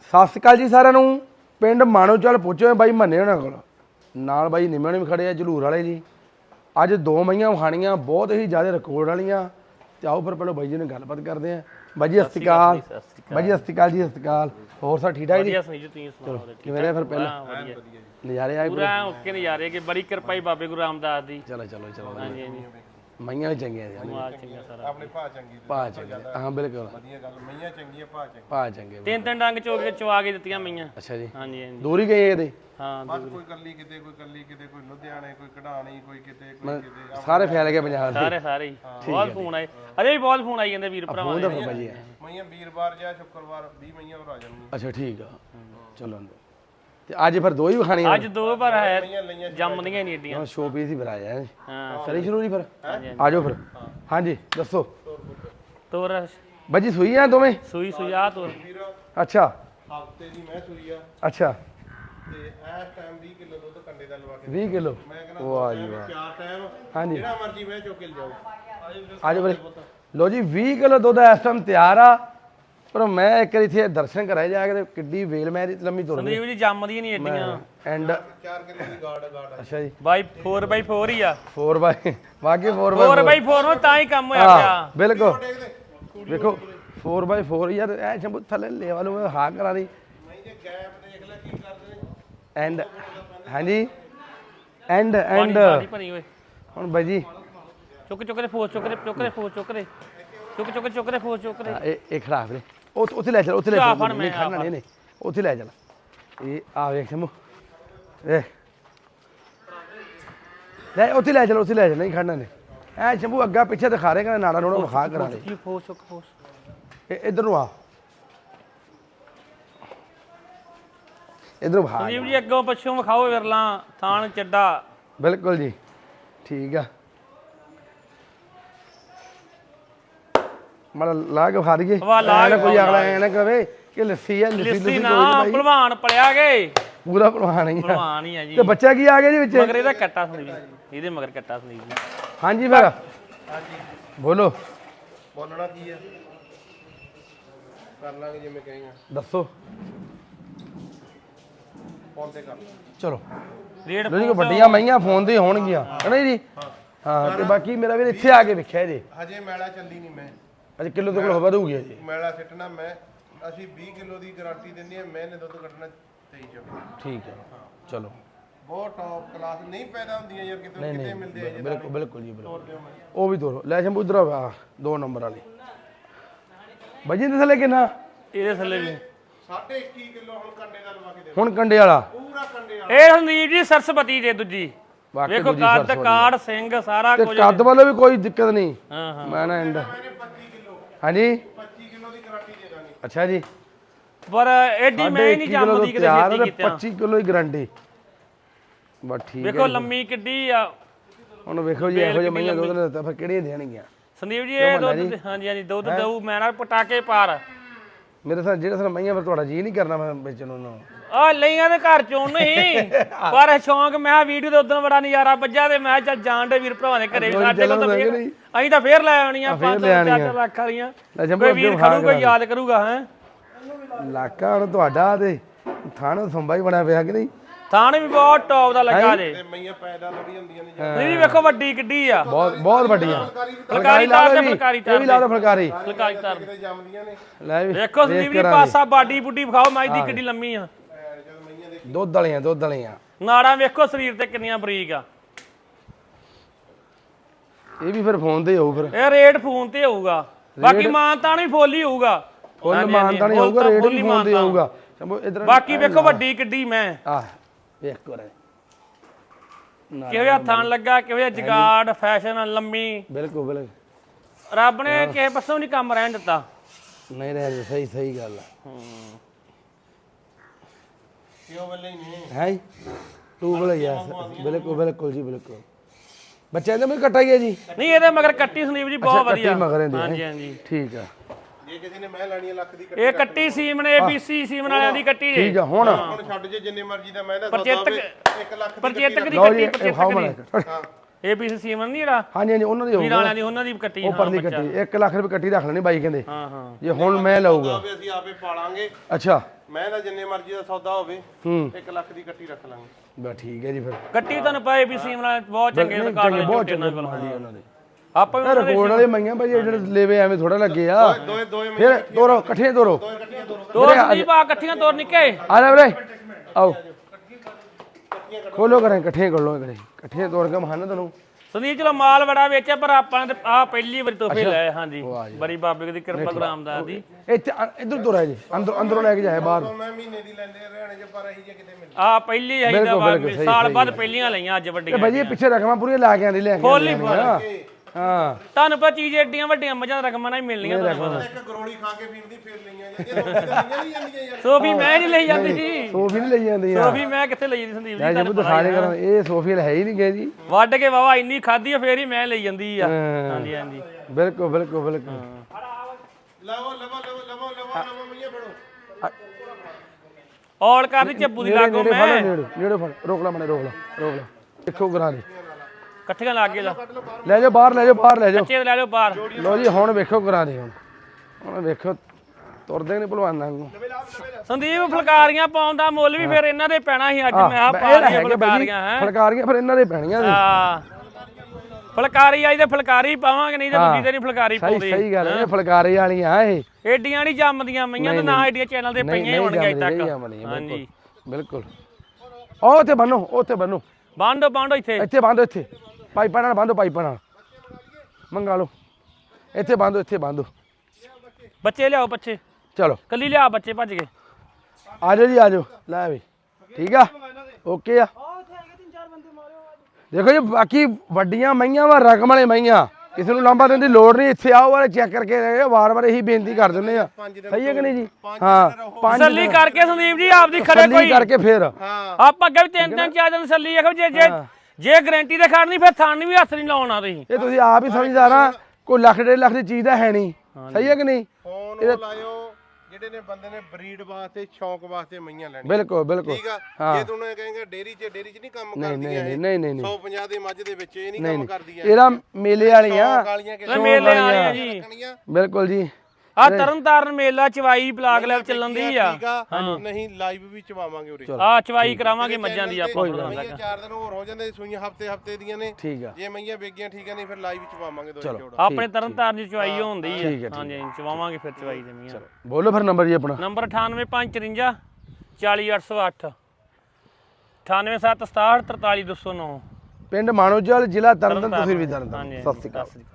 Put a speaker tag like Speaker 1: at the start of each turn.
Speaker 1: ਸਤਿ ਸ਼੍ਰੀ ਅਕਾਲ ਜੀ ਸਾਰਿਆਂ ਨੂੰ। ਪਿੰਡ ਮਾਣੋਚਲ ਪਹੁੰਚੇ ਹੋਏ ਬਾਈ ਮੰਨੇ ਹੋਣਾ ਕੋਲ, ਨਾਲ ਬਾਈ ਨਿੰਮੇ ਹੋਣੀ ਵੀ ਖੜੇ ਆ ਝਲੂਰ ਵਾਲੇ ਜੀ। ਅੱਜ ਦੋ ਮਈਆਂ ਵਿਖਾਣੀਆਂ ਬਹੁਤ ਹੀ ਜ਼ਿਆਦਾ ਰਿਕਾਰਡ ਵਾਲੀਆਂ, ਤੇ ਆਓ ਫਿਰ ਪਹਿਲਾਂ ਬਾਈ ਜੀ ਨਾਲ ਗੱਲਬਾਤ ਕਰਦੇ ਆ। ਬਾਈ ਜੀ ਸਤਿ ਸ਼੍ਰੀ ਅਕਾਲ। ਬਾਈ ਜੀ ਸਤਿ ਸ਼੍ਰੀ ਅਕਾਲ ਜੀ। ਸਤਿ ਸ਼੍ਰੀ ਅਕਾਲ। ਹੋਰ ਸਭ ਠੀਕ ਠਾਕ ਜੀ? ਚਲੋ ਕਿਵੇਂ ਰਿਹਾ ਫਿਰ ਪਹਿਲਾਂ? ਨਜ਼ਾਰੇ ਆਏ
Speaker 2: ਪੂਰਾ ਓਕੇ ਨਜ਼ਾਰੇ ਕਿ ਬੜੀ ਕਿਰਪਾ ਹੀ ਬਾਬੇ ਗੁਰੂ ਰਾਮਦਾਸ ਦੀ।
Speaker 1: ਚਲੋ ਚਲੋ ਚਲੋ।
Speaker 2: ਹਾਂਜੀ ਹਾਂਜੀ
Speaker 1: ਮਈਆਂ ਵੀ ਚੰਗੀਆਂ ਜੀ,
Speaker 2: ਮਾਲ ਚੰਗਾ ਸਾਰਾ
Speaker 3: ਆਪਣੇ ਭਾ ਚੰਗੀ
Speaker 1: ਭਾ ਚੰਗੇ। ਹਾਂ ਬਿਲਕੁਲ
Speaker 3: ਵਧੀਆ ਗੱਲ, ਮਈਆਂ ਚੰਗੀਆਂ ਭਾ ਚੰਗੀ।
Speaker 1: ਭਾ ਚੰਗੇ।
Speaker 2: ਤਿੰਨ ਡੰਗ ਚੋਕ ਕੇ ਚਵਾ ਕੇ ਦਿੱਤੀਆਂ ਮਈਆਂ।
Speaker 1: ਅੱਛਾ ਜੀ,
Speaker 2: ਹਾਂਜੀ ਹਾਂਜੀ
Speaker 1: ਦੂਰ ਹੀ ਗਏ ਇਹਦੇ?
Speaker 2: ਹਾਂ
Speaker 3: ਬਸ ਕੋਈ ਕੱਲੀ ਕਿਤੇ, ਕੋਈ ਕੱਲੀ ਕਿਤੇ, ਕੋਈ ਲੁਧਿਆਣੇ, ਕੋਈ ਕਢਾਣੀ, ਕੋਈ ਕਿਤੇ, ਕੋਈ ਕਿਤੇ।
Speaker 1: ਸਾਰੇ ਫੈਲ ਗਏ ਪੰਜਾਬ ਦੇ।
Speaker 2: ਸਾਰੇ ਹੀ ਬਹੁਤ ਫੋਨ ਆਏ, ਅਜੇ ਵੀ ਬਹੁਤ ਫੋਨ ਆਈ ਜਾਂਦੇ ਵੀਰ ਭਰਾਵਾਂ ਦੇ।
Speaker 1: ਬਾਬਾ ਜੀ
Speaker 3: ਮਈਆਂ ਵੀਰਵਾਰ ਜਾਂ ਸ਼ੁੱਕਰਵਾਰ 20 ਮਈਆਂ ਹੋਰ ਆ ਜਾਣਗੀਆਂ।
Speaker 1: ਅੱਛਾ ਠੀਕ ਆ, ਚਲੋ ਤੇ ਅੱਜ ਫਿਰ ਦੋ ਹੀ ਵਿਖਾਣੀਆਂ?
Speaker 2: ਅੱਜ ਦੋ ਪਰ ਹੈ ਜੰਮਦੀਆਂ ਨਹੀਂ ਏਡੀਆਂ।
Speaker 1: ਸ਼ੋ ਪੀਸ ਹੀ ਫਿਰ ਆਇਆ ਹੈ।
Speaker 2: ਹਾਂ
Speaker 1: ਕਰੀ ਸ਼ੁਰੂ ਜੀ ਫਿਰ, ਆ ਜਾਓ ਫਿਰ। ਹਾਂਜੀ ਦੱਸੋ
Speaker 2: ਤੋਰ
Speaker 1: ਬਾਜੀ, ਸੂਈ ਆ ਦੋਵੇਂ?
Speaker 2: ਸੂਈ ਆ ਤੋਰ।
Speaker 1: ਅੱਛਾ
Speaker 3: ਹਫਤੇ ਦੀ ਮੈਂ ਸੂਈ ਆ
Speaker 1: ਅੱਛਾ,
Speaker 3: ਤੇ ਇਸ ਟਾਈਮ 20 ਕਿਲੋ ਦੁੱਧ ਕੰਡੇ ਦਾ ਲਵਾ ਕੇ
Speaker 1: 20 ਕਿਲੋ?
Speaker 3: ਮੈਂ ਕਹਿੰਦਾ
Speaker 1: ਵਾਹ ਜੀ ਵਾਹ।
Speaker 3: ਚਾਰ ਟਾਈਮ
Speaker 1: ਹਾਂਜੀ
Speaker 3: ਜਿਹੜਾ ਮਰਜੀ ਮੈਂ ਚੁੱਕ ਕੇ ਲਿਜਾਓ।
Speaker 1: ਆ ਜਾਓ ਵੀਰੇ। ਲੋ ਜੀ 20 ਕਿਲੋ ਦੁੱਧ ਇਸ ਟਾਈਮ ਤਿਆਰ ਆ, ਪਰ ਮੈਂ ਇੱਕ ਵਾਰੀ ਇੱਥੇ ਦਰਸ਼ਨ ਕਰਾਏ ਜਾ ਕੇ, ਕਿੱਡੀ ਵੇਲ ਮੈਂ ਇਹਦੀ ਲੰਮੀ ਤੁਰਨੀ।
Speaker 2: ਸੰਦੀਪ ਜੀ ਜੰਮਦੀਆਂ ਨਹੀਂ ਏਡੀਆਂ।
Speaker 1: ਐਂਡ
Speaker 3: 4 ਕਿਲੋ ਦੀ ਗਾੜ
Speaker 1: ਅੱਛਾ ਜੀ,
Speaker 2: ਬਾਈ 4x4 ਹੀ ਆ।
Speaker 1: 4x ਵਾਕੇ 4x4
Speaker 2: 4x4 ਨੂੰ ਤਾਂ ਹੀ ਕੰਮ ਹੋਇਆ ਪਿਆ।
Speaker 1: ਬਿਲਕੁਲ। ਵੇਖੋ 4x4 ਯਾਰ, ਐ ਸ਼ੰਭੂ ਥੱਲੇ ਲੈਵਲ ਉਹ ਹਾਂ ਕਰਾ ਦੀ।
Speaker 3: ਮੈਂ ਜੇ ਗੈਪ ਦੇਖ ਲੈ ਕੀ ਕਰਦੇ ਨੇ।
Speaker 1: ਐਂਡ ਹਾਂਜੀ, ਐਂਡ
Speaker 2: ਪਾਣੀ ਭਰੀ ਓਏ।
Speaker 1: ਹੁਣ ਬਾਈ ਜੀ
Speaker 2: ਚੁੱਕ ਦੇ ਫੋਸ ਚੁੱਕ ਦੇ ਚੁੱਕ ਦੇ ਫੋਸ ਚੁੱਕ ਦੇ।
Speaker 1: ਇਹ ਖੜਾ ਵੀਰੇ, ਉੱਥੇ ਲੈ ਚੱਲ, ਉੱਥੇ ਲੈ ਚੱਲ। ਨਹੀਂ ਖੜਨਾ ਨਹੀਂ, ਉੱਥੇ ਲੈ ਚੱਲ। ਇਹ ਆ ਵੇਖ ਸ਼ੰਭੂ, ਇਹ ਲੈ ਉੱਥੇ ਲੈ ਚੱਲ, ਉੱਥੇ ਲੈ ਚੱਲ, ਨਹੀਂ ਖੜਨਾ ਨੇ। ਐ ਸ਼ੰਭੂ ਅੱਗਾ ਪਿੱਛੇ ਦਿਖਾ ਰਹੇ, ਕਹਿੰਦਾ ਨਾੜਾ ਨੋੜਾ ਵਿਖਾ ਕਰਾ ਦੇ।
Speaker 2: ਕੀ ਫੋਸ ਚੁੱਕ ਫੋਸ।
Speaker 1: ਇਹ ਇੱਧਰ ਨੂੰ ਆ, ਇੱਧਰ ਵਿਖਾ।
Speaker 2: ਸੰਦੀਪ ਜੀ ਅੱਗੋਂ ਪਛੋਂ ਵਿਖਾਓ ਵਿਰਲਾ ਥਾਣ ਚੱਡਾ।
Speaker 1: ਬਿਲਕੁਲ ਜੀ, ਠੀਕ ਆ। ਮਾੜਾ ਲਾ ਕੇ ਖਾ ਦਈਏ, ਕੋਈ ਅਗਲਾ ਐ ਨਾ ਕਵੇ ਕਿ ਲੱਸੀ ਆ।
Speaker 2: ਲੱਸੀ ਨਾ ਭਲਵਾਨ ਪਲਿਆ ਗਏ,
Speaker 1: ਪੂਰਾ ਭਲਵਾਨ ਹੀ ਆ।
Speaker 2: ਭਲਵਾਨ ਹੀ ਆ ਜੀ।
Speaker 1: ਤੇ ਬੱਚਾ ਕੀ ਆ ਗਿਆ ਜੀ ਵਿੱਚ?
Speaker 2: ਮਗਰ ਇਹਦਾ ਕੱਟਾ ਸੰਦੀਪ ਜੀ, ਇਹਦੇ ਮਗਰ ਕੱਟਾ ਸੰਦੀਪ ਜੀ।
Speaker 1: ਹਾਂਜੀ ਫਿਰ
Speaker 3: ਹਾਂਜੀ
Speaker 1: ਬੋਲੋ,
Speaker 3: ਬੋਲਣਾ ਕੀ ਆ, ਕਰ ਲਾਂਗੇ ਜਿਵੇਂ ਕਹੇਗਾ।
Speaker 1: ਦੱਸੋ
Speaker 3: ਫੋਨ ਤੇ ਕਰ
Speaker 1: ਚਲੋ।
Speaker 2: ਰੇਡ
Speaker 1: ਲੋ ਜੀ, ਵੱਡੀਆਂ ਮਈਆਂ ਫੋਨ ਤੇ ਹੋਣਗੀਆਂ ਹੈ ਨਾ ਜੀ। ਹਾਂ, ਤੇ ਬਾਕੀ ਮੇਰਾ ਵੀਰ ਇੱਥੇ ਆ ਕੇ ਵੇਖਿਆ ਜੀ।
Speaker 3: ਹਜੇ ਮੈਲਾ ਚੱਲੀ ਨਹੀਂ ਮੈਂ।
Speaker 1: ਅੱਜ ਕਿਲੋ ਦੇ ਕੋਲ ਵਧੂਗੀ ਜੀ
Speaker 3: ਮੈਲਾ ਸਿੱਟਣਾ ਮੈਂ। ਅਸੀਂ 20 ਕਿਲੋ ਦੀ ਗਾਰੰਟੀ ਦਿੰਦੇ ਆ। ਮੈਂ ਨੇ ਦੁੱਧ ਕੱਢਣਾ 23 ਚੋਂ।
Speaker 1: ਠੀਕ ਹੈ, ਚਲੋ।
Speaker 3: ਬਹੁਤ ਟੌਪ ਕਲਾਸ ਨਹੀਂ ਪੈਦਾ ਹੁੰਦੀਆਂ ਯਾਰ, ਕਿਤੇ ਕਿਤੇ ਮਿਲਦੇ ਆ।
Speaker 1: ਬਿਲਕੁਲ ਬਿਲਕੁਲ ਜੀ, ਬਿਲਕੁਲ। ਉਹ ਵੀ ਤੋਰੋ, ਲੈ ਸ਼ੰਭੂ ਇੱਧਰ ਆ, 2 ਨੰਬਰ ਵਾਲੀ ਬਾਜੀ ਦੇ ਥੱਲੇ ਕਿੰਨਾ?
Speaker 2: ਇਹਦੇ ਥੱਲੇ ਵੀ
Speaker 3: 21.5 ਕਿਲੋ ਹੁਣ ਕੰਡੇ ਦਾ ਲਵਾ ਕੇ ਦੇ।
Speaker 1: ਹੁਣ ਕੰਡੇ ਵਾਲਾ
Speaker 3: ਪੂਰਾ ਕੰਡੇ ਵਾਲਾ।
Speaker 2: ਇਹ ਸੰਦੀਪ ਜੀ ਸਰਸਪਤੀ ਜੇ ਦੂਜੀ।
Speaker 1: ਵਾਕਈ
Speaker 2: ਵੇਖੋ
Speaker 1: ਦੂਜੀ
Speaker 2: ਕੱਦ
Speaker 1: ਸਰਸਵਤੀ।
Speaker 2: ਕਾੜ ਸਿੰਘ ਸਾਰਾ
Speaker 1: ਤੇ
Speaker 2: ਕੁਝ।
Speaker 1: ਕੱਦ ਵੱਲੋਂ ਵੀ ਕੋਈ ਦਿੱਕਤ ਨਹੀਂ।
Speaker 2: ਹਾਂ ਹਾਂ
Speaker 1: ਮੈਂ ਨਾ ਐਂਡ
Speaker 3: 25 ਕਿਲੋ
Speaker 1: ਹਾਂਜੀ
Speaker 3: 25 ਕਿਲੋ ਦੀ ਗਾਰੰਟੀ ਦੇ ਦਾਂਗੇ।
Speaker 1: ਅੱਛਾ ਜੀ,
Speaker 2: ਪਰ ਐਡੀ ਮੈਂ ਹੀ ਨਹੀਂ ਜੰਮਦੀ ਕਿਤੇ ਛੇਤੀ ਕੀਤਾ।
Speaker 1: 25 ਕਿਲੋ ਦੀ ਗਾਰੰਟੀ ਬਸ ਠੀਕ ਹੈ।
Speaker 2: ਵੇਖੋ ਲੰਮੀ ਕਿੱਡੀ ਆ।
Speaker 1: ਹੁਣ ਵੇਖੋ ਜੀ, ਇਹੋ ਜਿਹੇ ਮਈਆਂ ਦੁੱਧ ਨੇ ਦਿੱਤਾ, ਫਿਰ ਕਿਹੜੀਆਂ ਦੇਣਗੀਆਂ?
Speaker 2: ਸੰਦੀਪ ਜੀ ਇਹ ਦੁੱਧ, ਹਾਂਜੀ ਹਾਂਜੀ ਦੁੱਧ ਦਊ ਮੈਂ ਨਾ ਪਟਾਕੇ ਪਾਰ।
Speaker 1: ਮੇਰੇ ਸਾਹ ਜਿਹੜੇ ਸਾਹ ਮਈਆਂ, ਫਿਰ ਤੁਹਾਡਾ ਜੀ ਨਹੀਂ ਕਰਨਾ ਮੈਂ ਵੇਚਣ ਨੂੰ।
Speaker 2: ਆ ਲਈਆਂ ਦੇ ਘਰ ਚੋਂ ਨਹੀਂ, ਪਰ ਸ਼ੌਂਕ ਮੈਂ ਵੀਡੀਓ ਦੇ ਉਦੋਂ ਬੜਾ ਨਜ਼ਾਰਾ ਵੱਜਾ, ਤੇ ਮੈਂ ਚੱਲ ਜਾਣ ਦੇ ਵੀਰ ਭਰਾਵਾਂ ਦੇ ਘਰੇ ਵੀ। ਸਾਡੇ ਕੋਲ ਤਾਂ ਫੇਰ ਅਸੀਂ ਤਾਂ ਫੇਰ ਲੈ ਆਉਣੀਆਂ 5-4 ਲੱਖ ਵਾਲੀਆਂ। ਕੋਈ ਵੀਰ ਖੜੂਗਾ ਯਾਦ ਕਰੂਗਾ। ਹੈ
Speaker 1: ਇਲਾਕਾ ਹੁਣ ਤੁਹਾਡਾ ਤੇ ਥਾਣਾ ਸੰਭਾ ਹੀ ਬਣਿਆ ਪਿਆ ਕਿ ਨਹੀਂ?
Speaker 2: ਥਾਣ ਵੀ ਬਹੁਤ ਟੌਪ ਦਾ ਲੱਗਾ ਜੇ।
Speaker 3: ਤੇ ਮਈਆਂ ਪੈਦਾ ਲੜੀ ਹੁੰਦੀਆਂ ਨੇ।
Speaker 2: ਨਹੀਂ ਵੇਖੋ ਵੱਡੀ ਕਿੱਡੀ ਆ,
Speaker 1: ਬਹੁਤ ਬਹੁਤ ਵੱਡੀਆਂ।
Speaker 2: ਫੁਲਕਾਰੀ ਤਾਰ ਤੇ ਫੁਲਕਾਰੀ ਤਾਰ,
Speaker 1: ਇਹ ਵੀ ਲਾ ਦੋ ਫੁਲਕਾਰੀ।
Speaker 2: ਫੁਲਕਾਰੀ ਤਾਰ
Speaker 3: ਕਿਤੇ ਜੰਮਦੀਆਂ ਨੇ।
Speaker 1: ਲੈ ਵੀ
Speaker 2: ਵੇਖੋ ਸੰਦੀਪ ਜੀ ਪਾਸਾ ਬਾਡੀ ਬੁੱਡੀ ਵਿਖਾਓ ਮੱਝ ਦੀ ਕਿੱਡੀ ਲੰਮੀ ਆ।
Speaker 3: ਜਦ ਮਈਆਂ ਦੇ
Speaker 1: ਦੁੱਧ ਵਾਲੀਆਂ, ਦੁੱਧ ਵਾਲੀਆਂ।
Speaker 2: ਨਾੜਾਂ ਵੇਖੋ ਸਰੀਰ ਤੇ ਕਿੰਨੀਆਂ ਬਰੀਕ ਆ।
Speaker 1: ਇਹ ਵੀ ਫਿਰ ਫੋਨ ਤੇ ਹੋਊ ਫਿਰ।
Speaker 2: ਇਹ ਰੇਟ ਫੋਨ ਤੇ ਹੋਊਗਾ, ਬਾਕੀ ਮਾਨਤਾਨ ਵੀ ਫੁੱਲ ਹੀ ਹੋਊਗਾ।
Speaker 1: ਫੁੱਲ ਮਾਨਤਾ ਨਹੀਂ ਹੋਊਗਾ, ਰੇਟ ਵੀ ਫੋਨ ਤੇ ਹੋਊਗਾ। ਸ਼ੰਭੂ ਇਧਰ
Speaker 2: ਬਾਕੀ ਵੇਖੋ ਵੱਡੀ ਕਿੱਡੀ ਮੈਂ।
Speaker 1: ਆ ਵੇਖ ਕੋਰੇ
Speaker 2: ਕਿਹੋ ਜਿਹਾ ਥਣ ਲੱਗਾ, ਕਿਹੋ ਜਿਹਾ ਜਗਾੜ, ਫੈਸ਼ਨ ਲੰਮੀ।
Speaker 1: ਬਿਲਕੁਲ ਬਿਲਕੁਲ,
Speaker 2: ਰੱਬ ਨੇ ਕਿਸੇ ਪਾਸੋਂ ਨਹੀਂ ਕੰਮ ਰਹਿਣ ਦਿੱਤਾ।
Speaker 1: ਨਹੀਂ ਰਹਿ ਸਹੀ ਸਹੀ ਗੱਲ ਆ।
Speaker 3: ਕਿਉਂ ਵੱਲੇ ਹੀ ਨਹੀਂ
Speaker 1: ਹੈ ਟੂਬਲ ਹੀ ਆ। ਬਿਲਕੁਲ ਬਿਲਕੁਲ ਜੀ, ਬਿਲਕੁਲ। ਬੱਚਿਆਂ ਦੇ ਮੈਂ ਕਟਾਈ ਹੈ ਜੀ?
Speaker 2: ਨਹੀਂ ਇਹਦੇ ਮਗਰ ਕੱਟੀ ਸੰਦੀਪ ਜੀ ਬਹੁਤ ਵਧੀਆ। ਹਾਂਜੀ ਹਾਂਜੀ
Speaker 1: ਠੀਕ ਆ।
Speaker 3: ਜੇ ਕਿਸੇ ਨੇ ਮੈਂ ਲੈਣੀ ਲੱਖ ਦੀ
Speaker 2: ਇਹ ਕੱਟੀ ਸੀਮਨ ABC ਸੀਮਨ ਵਾਲਿਆਂ ਦੀ ਕੱਟੀ ਜੇ।
Speaker 1: ਠੀਕ ਆ। ਹੁਣ
Speaker 3: ਹੁਣ ਛੱਡ ਜੇ ਜਿੰਨੇ ਮਰਜ਼ੀ ਦਾ ਮੈਂ ਦਾ
Speaker 2: 1 ਲੱਖ ਦੀ
Speaker 1: ਲਓ ਜੀ,
Speaker 2: ਕੱਟੀ
Speaker 1: ਖਾਓ ਮਣਾ।
Speaker 2: ABC ਸੀਮਨ ਨਹੀਂ ਜਿਹੜਾ
Speaker 1: ਹਾਂਜੀ ਹਾਂਜੀ ਉਹਨਾਂ ਦੀ ਹੋਊਗਾ
Speaker 2: ਵੀਰਾਂ ਵਾਲਿਆਂ ਦੀ ਉਹਨਾਂ ਦੀ ਕੱਟੀ
Speaker 1: ਉਹ ਪਰਲੀ ਕੱਟੀ 1 ਲੱਖ ਰੁਪਏ ਕੱਟੀ ਰੱਖ ਲੈਣੀ ਬਾਈ ਕਹਿੰਦੇ
Speaker 2: ਹਾਂ ਹਾਂ
Speaker 1: ਜੇ ਹੁਣ ਮੈਂ ਲਊਗਾ
Speaker 3: ਵੀ ਅਸੀਂ ਆਪੇ ਪਾਲਾਂਗੇ
Speaker 1: ਅੱਛਾ
Speaker 3: ਮੈਂ ਦਾ ਜਿੰਨੇ ਮਰਜ਼ੀ ਦਾ ਸੌਦਾ ਹੋਵੇ
Speaker 1: ਹੂੰ
Speaker 3: 1 ਲੱਖ ਦੀ ਕੱਟੀ ਰੱਖ ਲਾਂਗੇ
Speaker 1: ਬਸ ਠੀਕ ਹੈ ਜੀ ਫਿਰ
Speaker 2: ਕੱਟੀ ਤੁਹਾਨੂੰ ਪਤਾ ABC ਸੀਮਨ ਵਾਲੇ ਬਹੁਤ ਚੰਗੇ
Speaker 1: ਨਹੀਂ,
Speaker 2: ਦੁਕਾਨ
Speaker 1: ਚੰਗੇ, ਬਹੁਤ
Speaker 2: ਝੋਟੇ
Speaker 1: ਚੰਗੇ
Speaker 2: ਨਾਲ
Speaker 1: ਮਾਲੀ ਉਹਨਾਂ ਦੇ
Speaker 2: ਆਪਾਂ ਵੀ ਉਹਨਾਂ ਦੇ
Speaker 1: ਰਿਕਾਰਡ ਵਾਲੇ ਮਈਆਂ ਭਾਈ ਜਿਹੜੇ ਲੇਵੇ ਐਵੇਂ ਥੋੜਾ ਲੱਗੇ ਆ
Speaker 3: ਦੋਏ
Speaker 1: ਫਿਰ ਤੋਰੋ ਇਕੱਠੇ ਤੋਰੋ
Speaker 2: ਦੋ ਸੰਦੀਪ ਆ ਇਕੱਠੀਆਂ ਤੋਰ ਨਿੱਕੇ
Speaker 1: ਆ ਜਾ ਵੀਰੇ ਆਓ ਖੋਲੋ ਕਰਾਂ ਇਕੱਠੇ ਕਰ ਲੋ ਇਕੱਠੇ ਤੋਰ ਕੇ ਮਹਾਨ ਤੁਹਾਨੂੰ
Speaker 2: ਸੰਦੀਪ ਚਲੋ ਮਾਲ ਬੜਾ ਵੇਚਿਆ ਪਰ ਆਪਾਂ ਨੇ ਆ ਪਹਿਲੀ ਵਾਰੀ ਤੋਹਫੇ ਲਏ ਹਾਂਜੀ ਬੜੀ ਬਾਬੇ ਦੀ ਕਿਰਪਾ ਗੁਰਾਮਦਾਸ ਦੀ
Speaker 1: ਇੱਥੇ ਇੱਧਰ ਤੋਰਾ ਜੀ ਅੰਦਰੋਂ ਲੈ ਕੇ ਜਾਏ ਬਾਹਰ
Speaker 3: ਮੈਂ ਮਹੀਨੇ ਦੀ ਲੈਂਦੇ ਹਰਿਆਣੇ ਚ ਪਰ ਅਸੀਂ ਜੇ ਕਿਤੇ ਮਿਲ
Speaker 2: ਆ ਪਹਿਲੀ ਆਈ ਦਾ ਸਾਲ ਬਾਅਦ ਪਹਿਲੀਆਂ ਲਈਆਂ ਅੱਜ ਵੱਡੀਆਂ
Speaker 1: ਭਾਜੀ ਇਹ ਪਿੱਛੇ ਰਕਮਾਂ ਪੂਰੀਆਂ ਲਾ ਕੇ ਆਂਦੀ ਲੈ ਕੇ
Speaker 2: ਖੋਲੀ
Speaker 1: ਹਾਂ
Speaker 2: ਤੁਹਾਨੂੰ ਪਤਾ ਚੀਜ਼ ਏਡੀਆਂ ਵੱਡੀਆਂ ਮੱਝਾਂ ਰਕਮਾਂ ਨਾਲ ਹੀ ਮਿਲਣੀਆਂ ਤੁਹਾਨੂੰ ਪਤਾ
Speaker 3: ਇੱਕ ਗਰੋਲੀ ਖਾ ਕੇ ਪੀਣ ਦੀ ਫੇਰ ਲਈਆਂ ਜਾਂਦੀਆਂ ਨਹੀਂ ਜਾਂਦੀਆਂ ਯਾਰ
Speaker 2: ਸੋਫੀ ਮੈਂ ਨਹੀਂ ਲਈ ਜਾਂਦੀ ਸੀ
Speaker 1: ਸੋਫੀ ਨਹੀਂ ਲਈ ਜਾਂਦੀ
Speaker 2: ਸੋਫੀ ਮੈਂ ਕਿੱਥੇ ਲਈ ਜਾਂਦੀ ਸੰਦੀਪ
Speaker 1: ਯਾਰ
Speaker 2: ਜੀ
Speaker 1: ਜਬ ਦਿਖਾ ਦੇ ਕਰਾਂ ਇਹ ਸੋਫੀ ਹੈ ਹੀ ਨਹੀਂ ਗਏ ਜੀ
Speaker 2: ਵੱਢ ਕੇ ਵਾਵਾ ਇੰਨੀ ਖਾਧੀ ਆ ਫੇਰ ਹੀ ਮੈਂ ਲਈ ਜਾਂਦੀ ਆ ਹਾਂਜੀ ਹਾਂਜੀ
Speaker 1: ਬਿਲਕੁਲ ਬਿਲਕੁਲ ਬਿਲਕੁਲ
Speaker 3: ਲਵੋ ਮਈਆਂ ਫੜੋ
Speaker 2: ਔਲ ਕਰਦੀ ਚੱਬੂ ਦੀ ਲਾਗੋ ਮੈਂ
Speaker 1: ਨੇੜੇ ਫੜ ਰੋਕ ਲਾ ਮਨੇ ਰੋਕ ਲਾ ਦੇਖੋ ਗਰਾਂ ਦੇ
Speaker 2: ਇਕੱਠੀਆਂ ਲਾ ਕੇ ਲਾ
Speaker 1: ਲੈ ਜਾਓ ਬਾਹਰ ਲੈ ਜਾਓ
Speaker 2: ਬੱਚੇ ਲੈ ਲਿਓ ਬਾਹਰ
Speaker 1: ਲੋ ਜੀ ਹੁਣ ਵੇਖੋ ਗਰਾਂ ਦੇ ਹੁਣ ਵੇਖੋ ਤੁਰਦੇ ਨਹੀਂ ਭਲਵਾਨਾਂ ਨੂੰ
Speaker 2: ਸੰਦੀਪ ਫਲਕਾਰੀਆਂ ਪਾਉਣ ਦਾ ਮੁੱਲ ਵੀ ਫਿਰ ਇਹਨਾਂ ਦੇ ਪੈਣਾ ਸੀ ਅੱਜ ਮੈਂ ਆ ਪਾ ਲਈਆਂ ਫਲਕਾਰੀਆਂ ਹੈ
Speaker 1: ਫਲਕਾਰੀਆਂ ਫਿਰ ਇਹਨਾਂ ਦੇ ਪੈਣੀਆਂ
Speaker 2: ਆ ਫਲਕਾਰੀ ਆਈ ਤੇ ਫਲਕਾਰੀ ਪਾਵਾਂਗੇ ਨਹੀਂ ਤੇ ਦੂਜੀ ਤੇ ਨਹੀਂ ਫਲਕਾਰੀ ਪਾਉਂਦੇ
Speaker 1: ਸਹੀ ਗੱਲ ਹੈ ਫਲਕਾਰੇ ਵਾਲੀਆਂ ਇਹ
Speaker 2: ਏਡੀਆਂ ਨਹੀਂ ਜੰਮਦੀਆਂ ਮਈਆਂ ਤੇ ਨਾ ਏਡੀਆਂ ਚੈਨਲ ਤੇ ਪਈਆਂ ਹੀ ਹੋਣਗੀਆਂ ਅਜੇ ਤੱਕ ਹਾਂਜੀ
Speaker 1: ਬਿਲਕੁਲ ਉਹ ਉੱਥੇ ਬੰਨੋ
Speaker 2: ਬਾਂਡੋ ਇੱਥੇ
Speaker 1: ਬੰਨੋ ਇੱਥੇ ਪਾਈਪਾਂ ਨਾਲ ਬੰਨੋ ਪਾਈਪਾਂ ਨਾਲ ਮੰਗਾ ਲਓ ਇੱਥੇ ਬੰਨੋ
Speaker 2: ਬੱਚੇ ਲਿਆਓ ਬੱਚੇ
Speaker 1: ਚਲੋ
Speaker 2: ਕੱਲੀ ਲਿਆ ਬੱਚੇ ਭੱਜ ਗਏ
Speaker 1: ਆ ਜਾਓ ਲੈ ਵੀ ਠੀਕ ਆ ਓਕੇ ਆ ਦੇਖੋ ਜੀ ਬਾਕੀ ਵੱਡੀਆਂ ਮਈਆਂ ਵਾ ਰਕਮ ਵਾਲੇ ਮਈਆਂ ਕਿਸੇ ਨੂੰ ਲਾਂਬਾ ਦੇਣ ਦੀ ਲੋੜ ਨਹੀਂ ਇੱਥੇ ਆਓ ਵਾਲੇ ਚੈੱਕ ਕਰਕੇ ਵਾਰ-ਵਾਰ ਇਹੀ ਬੇਨਤੀ ਕਰ ਦਿੰਦੇ ਆ ਸਹੀ ਹੈ ਕਿ ਨਹੀਂ ਜੀ ਹਾਂ
Speaker 2: ਤਸੱਲੀ ਕਰਕੇ ਸੰਦੀਪ ਜੀ ਆਪਦੀ ਖੜੇ ਕੋਈ
Speaker 1: ਕਰਕੇ ਫਿਰ
Speaker 2: ਆਪਾਂ ਅੱਗੇ ਵੀ 3-3 4 ਦਿਨ ਤਸੱਲੀ ਆਖੋ ਜੇ ਗਾਰੰਟੀ ਦੇ ਖੜਨੀ ਫਿਰ ਥਾਣ ਵੀ ਹੱਥ ਨਹੀਂ ਲਾਉਣਾ ਤੁਸੀਂ
Speaker 1: ਇਹ ਤੁਸੀਂ ਆਪ ਹੀ ਸਮਝਦਾਰ ਆ ਕੋਈ ਲੱਖ 1.5 ਲੱਖ ਦੀ ਚੀਜ਼ ਤਾਂ ਹੈ ਨਹੀਂ ਸਹੀ ਹੈ ਕਿ ਨਹੀਂ
Speaker 3: ਫੋਨ ਲਾਇਓ ਜਿਹੜੇ ਨੇ ਬੰਦੇ ਨੇ ਬਰੀਡ ਵਾਸਤੇ ਸ਼ੌਂਕ ਵਾਸਤੇ ਮਈਆਂ ਲੈਣੀਆਂ
Speaker 1: ਬਿਲਕੁਲ
Speaker 3: ਠੀਕ ਆ ਜੇ ਤੁਹਾਨੂੰ ਇਹ ਕਹੇਗਾ ਡੇਰੀ 'ਚ ਨਹੀਂ ਕੰਮ ਕਰਦੀਆਂ ਇਹ
Speaker 1: ਨਹੀਂ
Speaker 3: 150 ਦੇ ਮੱਝ ਦੇ ਵਿੱਚ ਇਹ ਨਹੀਂ ਕੰਮ ਕਰਦੀਆਂ
Speaker 1: ਇਹਦਾ ਮੇਲੇ ਵਾਲੀਆਂ
Speaker 2: ਮੇਲੇ ਵਾਲੀਆਂ ਜੀ
Speaker 1: ਬਿਲਕੁਲ ਜੀ
Speaker 2: ਆ ਤਰਨਤਾਰਨ ਮੇਲਾ ਚਵਾਈ ਬਲਾਕ ਲੈਵਲ ਚੱਲਣ ਦੀ ਆ
Speaker 3: ਠੀਕ ਆ ਨਹੀਂ ਲਾਈਵ ਵੀ ਚਵਾਵਾਂਗੇ ਉਰੇ
Speaker 2: ਆ ਚਵਾਈ ਕਰਾਵਾਂਗੇ ਮੱਝਾਂ ਦੀ ਆਪਾਂ
Speaker 3: 4 ਦਿਨ ਹੋਰ ਹੋ ਜਾਂਦੇ ਸੂਈਆਂ ਹਫਤੇ ਦੀਆਂ ਨੇ
Speaker 1: ਠੀਕ ਆ
Speaker 3: ਜੇ ਮਈਆਂ ਵੇਗੀਆਂ ਠੀਕ ਆ ਨਹੀਂ ਫਿਰ ਲਾਈਵ ਚਵਾਵਾਂਗੇ ਦੋ ਜੋੜ
Speaker 2: ਆਪਣੇ ਤਰਨਤਾਰਨ ਦੀ ਚਵਾਈ ਹੁੰਦੀ ਆ ਹਾਂਜੀ ਚਵਾਵਾਂਗੇ ਫਿਰ ਚਵਾਈ ਦੇ ਮੀਆਂ
Speaker 1: ਬੋਲੋ ਫਿਰ ਨੰਬਰ ਜੀ ਆਪਣਾ
Speaker 2: ਨੰਬਰ 98554 40808 98767 43209
Speaker 1: ਪਿੰਡ ਮਾਣੋਜਲ ਜ਼ਿਲ੍ਹਾ ਤਰਨਤਾਰਨ ਤਹਿਸੀਲ ਵੀ ਤਰਨਤਾਰਨ
Speaker 2: ਹਾਂਜੀ
Speaker 1: ਸਤਿ ਸ਼੍ਰੀ ਅਕਾਲ